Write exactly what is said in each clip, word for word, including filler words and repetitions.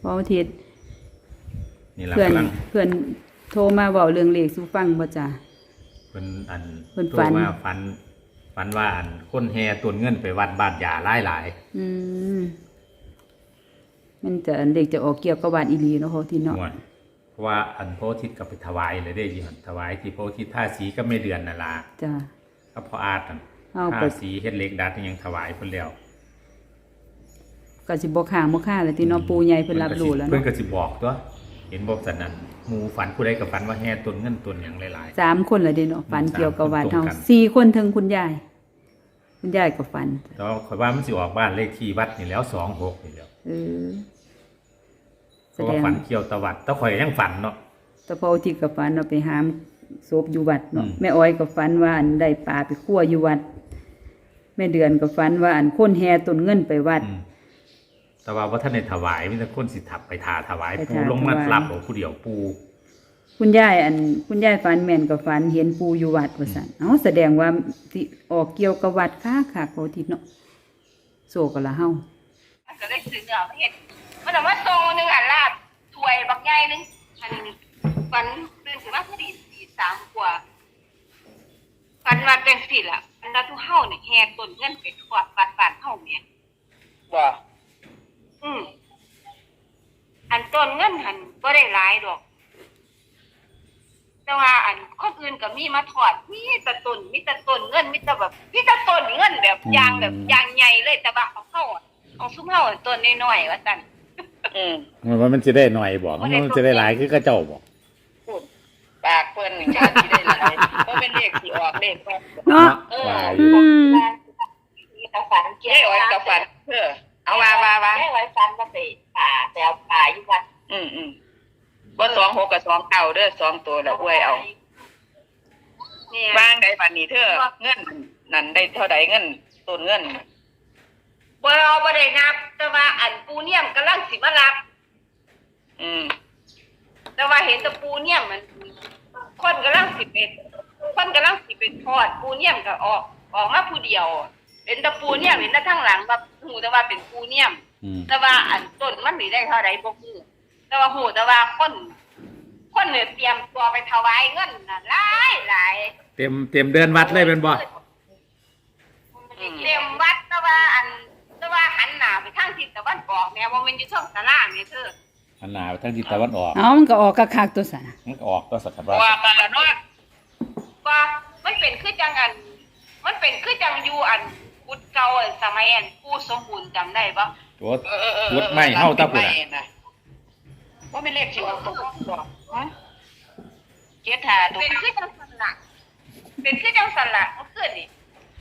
พออาทิตย์นี่ล่ะเพื่อนกำลังเพื่อนโทรมาเว้าเรื่องเลขสู่ฟังบ่จ้ะเพิ่นอันเพิ่นโทรฝันมาฝันฝันว่าอันคนแห่ต้นเงินไปวัดบ้านยาหลายๆอืมมันจะอันเด็กจะออกเกี่ยวกับวัดอีหลีเนาะพออาทิตย์เนาะม่วนเพราะว่าอันพระอาทิตย์ก็ไปถวายเลยได้ยินถวายที่พระอาทิตย์ท่าสีก็ไม่เดือนนั่นล่ะจ้ะก็พออาดนั่นเอาไปท่าสีเฮ็ดเหล็กดัดยังถวายเพิ่นแล้วก็สิบ่ค้างบ่ค่าแล้วที่เนาะปู่ใหญ่เพิ่นรับรู้แล้วเพิ่นเนาะก็สิบอกตัวเห็นบอกสันนั้นหมู่ฝันผู้ใดก็ฝันว่าแห่ต้นเงินต้นหยังหลายๆสามคนละเด้เนาะฝันเกี่ยวกับวัดเฮาตรงกันสี่คนถึงคุณยาย คุณยายก็ฝันแต่ว่าข่อยว่ามันสิออกบ้านเลขที่วัดนี่แล้วสองหกนี่แล้วเออเพแสราะดว่าง ฝันเกี่ยวตะวัดแต่ข่อยยังฝันเนาะแต่พออาทิตย์ก็ฝันเราไปหามศพอยู่วัดเนาะอืมแม่อ้อยก็ฝันว่าอันได้ปลาไปคั่วอยู่วัด แม่เดือนก็ฝันว่าอันคนแห่ต้นเงินไปวัดอืมแต่ว่าว่าท่านในถวายมีแต่คนสิทับไปทาถวายไปปูทาลงมาถวายรับเอาผู้เดียวปูคุณยายอัน คุณยายฝันแม่นก็ฝันเห็นปู่อยู่วัดว่าซั่นเอ้าแสดงว่าสิออกเกี่ยวกับวัดค่ะค่ะพออาทิตย์เนาะโซก็ละเฮามันก็ได้ซื้อเนื้อมาเฮ็ดมันเอามาส่งหนึงอันลาบถ้วยบักใหญ่หนึงอันฝันตื่นขึ้นมาพอดีตีสามกว่าฝันมาจังซี่ล่ะอันนั้นทุกเฮาเนี่ยแห่ต้นเงินไปทั่วบ้านบ้านเฮาแม่นบ่อืมอันต้นเงินหันบ่ได้หลายดอก แต่ว่าอันคนอื่นก็มีมาถอดมีแต่ต้นมีแต่ต้นเงินมีแต่แบบมีแต่ต้นเงินแบบยางแบบยางใหญ่เลยแต่ว่าของเฮาอะของซุมเฮาอะต้นน้อยๆว่าซั่นอืมมันว่ามันจะได้หน่อยบอกบ่ได้มันจะได้หลายคือกระเจ้าบอกพูดปากเพิ่นนี่ชาติได้หลายเพราะเป็นเลขที่ออกเลขว่าเนาะเออว่าออืยู่มมีแต่ฝันเกี่ยวได้อ้อยกับฝันเออเอาว่าว่าว่าได้ไว้ฝันว่าไปป่าไปเอาป่าอยู่วัดอืมอืมบ่สองหกกับสองเก้าเด้อสองตัวแล้วอวยเอาเนี่ยวางได้บัดนี้เธอเงินนั่นได้เท่าใดเงินต้นเงินบ่เอาบ่ได้นับ แต่ว่าอันปูเนี่ยมกำลังสิมารับอืมแต่ว่าเห็นแตะปูเนี่ยมมันคนกำลังสิเป็นคนกำลังสิเป็นทอดปูเนี่ยมก็ออกออกมาผู้เดียวเห็นแตะปูเนี่ยมเห็นแต่ข้างหลังว่าหูแต่ว่าเป็นปูเนี่ยมอืมแต่ว่าอันต้นมันนี่ได้เท่าใดบ่ฮู้แต่ว่าหูแต่ว่าคนคนเนี่ยเตรียมตัวไปถวายเงินน่ะหลายหลายเต็มเต็มเดือนวัดเลยเป็นบ่เต็มวัดแต่ว่าอันแต่ว่าหันหน้าไปทางทิศตะวันออกแม่ว่ามันอยู่ช่องตารางนี่เธออันหนาไปทางทิศตะวันออกเอ้ามันก็ออกคักๆตัวซะมันก็ออกก็สักการะว่ามาแล้วเนาะว่ามันเป็นคือจังอัน มันเป็นคือจังอยู่อันกุดเก่าอันสมัยอันผู้สมบูรณ์จำได้ปะตัวเออเออเออวุดไม่เฮาตะพุ่นไม่น่ะน่ะว่าเป็นเลขที่ออกตัวบ่ฮะเจ็ดหาตัวเป็นคือจังสันละเป็นคือจังสันละมันขึ้นนี่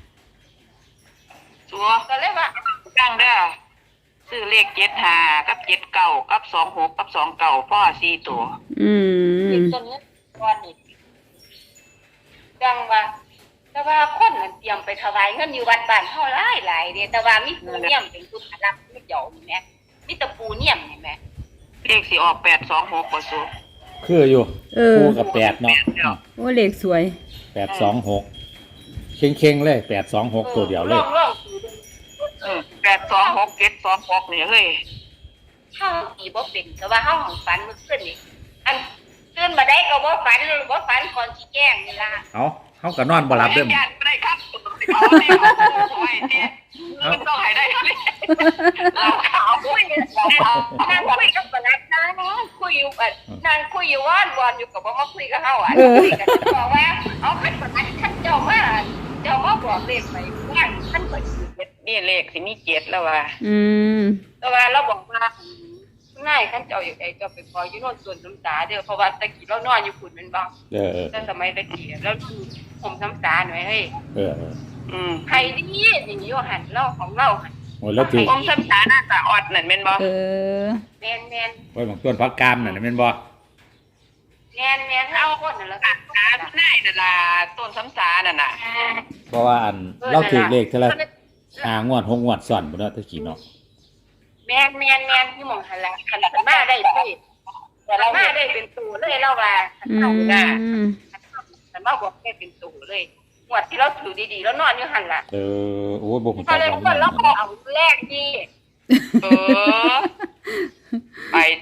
ตัวก็เลยว่าตั้งเด้อซื้อเลขเจ็ดหากับเจ็ดเก้ากับสองหกกับสองเก้าพ่อสี่ตัวอืมเด็กต้นนี้ก้อนนี่จังว่าแต่ว่าคนมันเตรียมไปถวายเงินอยู่วัดบ้านเฮาหลายหลายเด้แต่ว่ามีปูเนียมเป็นผู้รับไม่เจ้านี่แหมมีแต่ปูเนียมนี่แหมเลขสิออกแปดสองหกบ่สูคืออยู่เออคู่กับแปดเนาะโอ้เลขสวยแปดสองหกเข่งเข่งๆเลยแปดสองหกตัวเดียวเลยลองลองเออแปดสองหกเจ็ดสองหกนี่เฮ้ยเฮาตีบ่เป็นแต่ว่าเฮาของฝันเมื่อคืนนี่อันตื่นมาได้ก็บ่ฝันบ่ฝันก่อนสิแจ้งนี่ล่ะเอาเขาก็นอนบ่หลับเด้อไม่ได้ครับเอาเลขเอาไว้ที่มันต้องให้ได้เลยเราขาวคุยเอานั่งคุยกับปนัดนะคุยอยู่อันนั่งคุยอยู่ว่านวอนอยู่ก็บ่มาคุยกับเฮาอ่ะคุยกันบอกว่าเอาคันปนัดคันเจ้ามาเจ้ามาบอกเลขไปว่าคันเปิดนี่เลขสิมีเจ็ดแล้วว่ะอืมแต่ว่าเราบอกว่าง่ายคันเจ้าอยู่ไอ้เจ้าไปพออยู่โน่นส่วนน้ำตาเด้อเพราะว่าตะกี้เรานอนอยู่ฝุ่นเป็นบ่เออเออแต่สมัยตะกี้แล้วผมน้ำตาหน่อยเฮ้ยเออเอออืมใครดีอย่างนี้ว่าหันเล่าของเราหันโอ้ยแล้วถือผมสัมสาหน้าตาออดนั่นแม่นบ่เออแมนแมนไว้บางต้นพักกามน่ะแม่นบ่แมนแมนเอาคนนั่นแหละค่ะตาหน้านั่นล่ะต้นสัมสานั่นน่ะเพราะว่าอันเราถือเลขเท่าไหร่ห้างวดหกงวดซ้อนบ่เนาะตะกี้เนาะแมนแมนแมนที่มองหันละขันขันมาได้พี่แต่เรามาได้เป็นตูเลยเราว่าขันอืเข้าหน้าม ขันมาบอกได้เป็นตูเลยหวดที่เราถือดีๆแล้วนอนอยู่หันละเออโอ้ยบ่ฮู้พอจักเลยว่าคนเรามันเอาแรกดีเออ ไป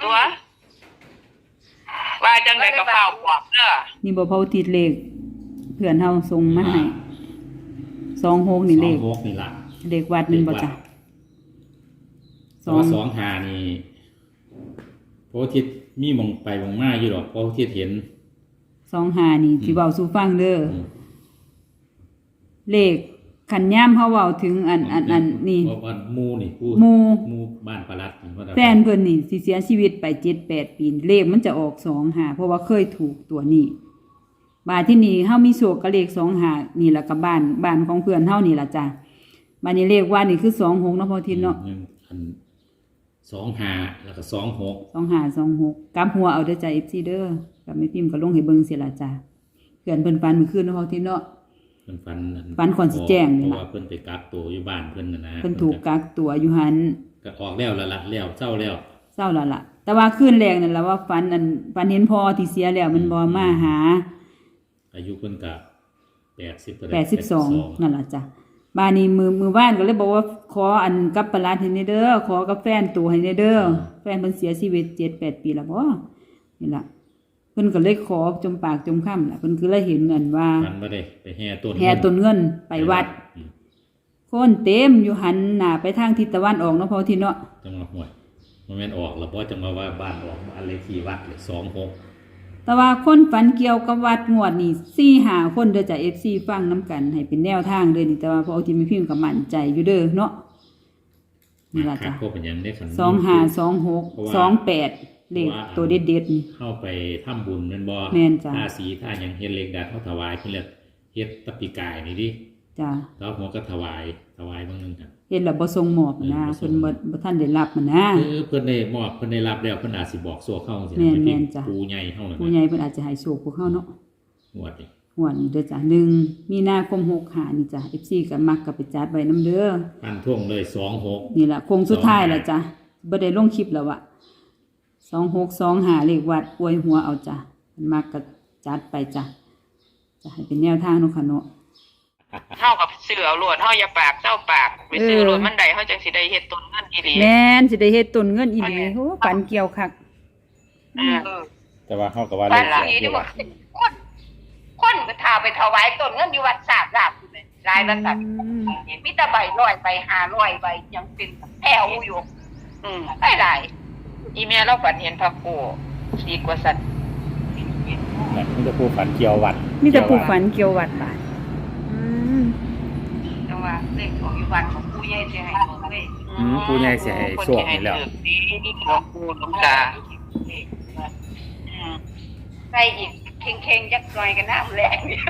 จังไดก็เฝ้าบอกเด้อนี่บ่เผาติดเลขเพื่อนเฮาส่งมาให้สองหกนี่สเลองขหกนี่ล่ะเลขวัดนั่นบ่จ้ะสองสองหานี่โพธิ์ทิศมีมองไปมองมาอยู่ดอกโพธิ์ทิศเห็นสองหานี่สิเว้าสู่ฟังเด้ออืมเลขขันย่ามเฮาเว้าถึงอันอันอันนี่เพราะว่าหมู่นี่ผู้หมู่หมู่บ้านปลัดนี่ว่าแฟนเพิ่นนี่สิเสียชีวิตไปเจ็ดแปดปีเลขมันจะออกสองหาเพราะว่าเคยถูกตัวนี้บาดที่นี่เฮามีโชคกับเลขสองหานี่ล่ะกับบ้านบ้านของเพื่อนเฮานี่ล่ะจ้ะบัดนี้เลขว่านี่คือสองหกเนาะพอทินเนาะอืมอันสองหาแล้วก็สองหกสองหาสองหกกลับหัวเอาเด้อจ้ะ เอฟ ซี เด้อกับแม่พิมพ์ก็ลงให้เบิ่งเสียล่ะจ้ะเพื่อนเพิ่นฝันเมื่อคืนเนาะพอทินเนาะเพิ่นฟันฟันก่อนสิแจ้งนี่เพราะล่ะว่าเพิ่นไปกักตัวอยู่บ้านเพิ่นน่ะนะเพิ่นถูกกักตัวอยู่หันก็ออกแล้วละละแล้วเจ้าแล้วเศร้าและล่ะ แต่ว่าคืนแรกนั่นล่ะว่าฝันอันฝันเห็นพ่อที่เสียแล้วมันบ่มาหาอายุเพิ่นก็แปดสิบแปดสิบสองนั่นล่ะจ้ะบ้านนี้มือมือบ้านก็เลยบอกว่าขออันกับปลาร้าให้ในเด้อขอกับแฟนตัวให้ในเด้อแฟนเพิ่นเสียชีวิตเจ็ดแปดปีแล้วบ่นี่ล่ะเพิ่นก็เลยขอจมปากจมคำล่ะเพิ่นคือเลยเห็นอันว่ามันบ่ได้ไปแห่ต้นแห่ต้นเงินไปวัดอืมคนเต็มอยู่หันหน้าไปทางทิศตะวันออกเนาะพอที่เนาะจังหวะห่วยมันแม่นออกแล้วบ่จังว่าว่าบ้านออกบ้านเลขที่วัดเลยสองหกแต่ว่าคนฝันเกี่ยวกับวัดงวดนี่สี่หาคนเด้อจ้ะ เอฟ ซี ฟังน้ำกันให้เป็นแนวทางเด้อนี่แต่ว่าพอเอาที่มีพิมพ์ก็มั่นใจอยู่เด้อเนาะนี่ล่ะจ้ะก็เป็นหยังได้คันสองห้าสองหกสองแปดเลขตัวเด็ดเด็ดๆนี่เข้าไปทำบุญแม่นบ่แม่นจ้ะท่าสีท่าหยังเฮ็ดเลขดัดเฮาถวายเพิ่นเรียกเฮ็ดตะปีกายนี่ดิจ้ะแล้วหัวก็ถวายถวายบางนึงครับเห็นแล้วบ่ทรงหมอบนะเออบ่ทรงเพิ่นบ่บ่ทันได้รับมันนะเออเพิ่นได้มอบเพิ่นได้รับแล้วเพิ่นอาจสิบอกซั่วเข้าจังแม่นซี่แม่นจ้ะปูใหญ่เฮานั่นผู้นะใหญ่เพิ่นอาจจะให้โชคพวกเฮาเนาะงวดนี่งวดนี้เด้อจ้ะหนึ่งมีนาคมหกห้านี่จ้ะ เอฟ ซี ก็มักก็ไปจัดไว้นำเด้อฟันท่วงเลยสองหกนี่ล่ะโค้งสุดท้ายแล้วจ้ะบ่ได้ลงคลิปแล้วอะสองหกสองห้าเลขวัดอวยหัวเอาจ้ะมันมักก็จัดไปจ้ะจะให้เป็นแนวทางเนาะค่ะเนาะเฮากับเสือเอาโลดเฮาอย่าปากเจ้าปากไปซื้อเออโลดมันได้เฮาจังสิได้เฮ็ดต้นเงินอีหลีแม่นสิได้เฮ็ดต้นเงินอีหลีโหฝันเกี่ยวคักเออแต่ว่าเฮาก็ว่าเลบ้านขหลังเสีนี้ยนี่อยู่ว่าคนคนไปทาไปถวายต้นเงินอยู่วัดสาบลาบอยู่เลยรายละสัตว์มีแต่ใบร้อยใบห้าร้อยใบยังเป็นแถวอยู่อืมได้หลายอีเมียเราฝันเห็นพระโคดีกว่าสัตว์น่ะมันจะผู้ฝันเกี่ยววัดมีแต่ผู้ฝันเกี่ยววัดบาดอืมแต่ว่าเลขของอยู่วัดของผู้ใหญ่จะให้ของเว้ยอืมผู้ใหญ่สิให้โชคนี่แล้วดีหลวงปู่หลวงตาอืมใส่อีกเข่งๆจักหน่อยกันน้ำแรงเนี่ย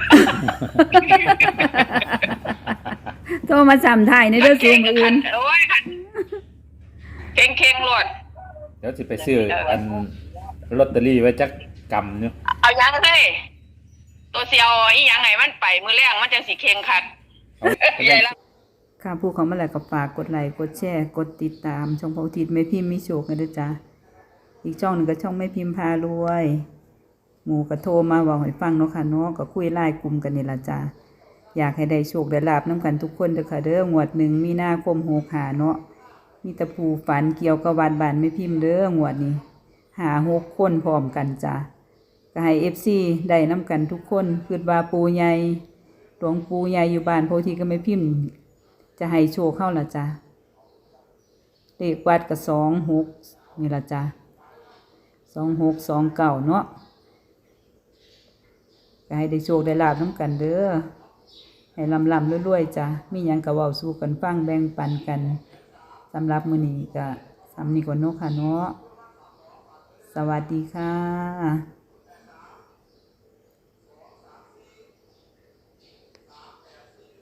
โทรมาจำถ่ายในเด้อสูงอื่นโอ้ยเข่งเข่งๆโลดเดี๋ยวสิไปซื้ออันลอตเตอรี่ไว้จักกำเนาะเอายังเฮ้ยตัวเสียวอีหยังไงมันไปมือแรงมันจังสิเข่งคัดเอาไปใหญ่เล่นละค่ะผู้เขามาแล้วก็ฝากกดไลค์กดแชร์กดติดตามช่องพระอุทิศแม่พิมพ์มีโชคกันเด้อจ้ะอีกช่องหนึงก็ช่องแม่พิมพ์พารวย หมู่ก็โทรมาเว้าให้ฟังเนาะค่ะเนาะก็คุยไลน์กลุ่มกันนี่ล่ะจ้ะอยากให้ได้โชคได้ลาบนํกันทุกคนเด้อค่ะเด้องวดหนึ่งมีนาคมหกห้าเนาะมีแต่ผู้ฝันเกี่ยวกับวัดบ้านแม่พิมพ์เด้องวดนี้หาหกคนพร้อมกันจ้ะก็ให้ เอฟ ซี ได้นํกันทุกคนคิดว่าปู่ใหญ่หลวงปู่ใหญ่อยู่บ้านโพธิก็แม่พิมพ์ จะให้โชคเข้าละจ้ะเลขวัดกับสองหกนี่ละจ้ะสองหกสองเก่าเนาะก็ให้ได้โชคได้ลาบน้ำกันเด้อให้ลำลำรวยๆจ้ะมีหยังกะเว้าสู่กันฟังแบ่งปันกันสำหรับมื้อนี้ก็สำนี้ก่อนเนาะค่ะเนาะสวัสดีค่ะ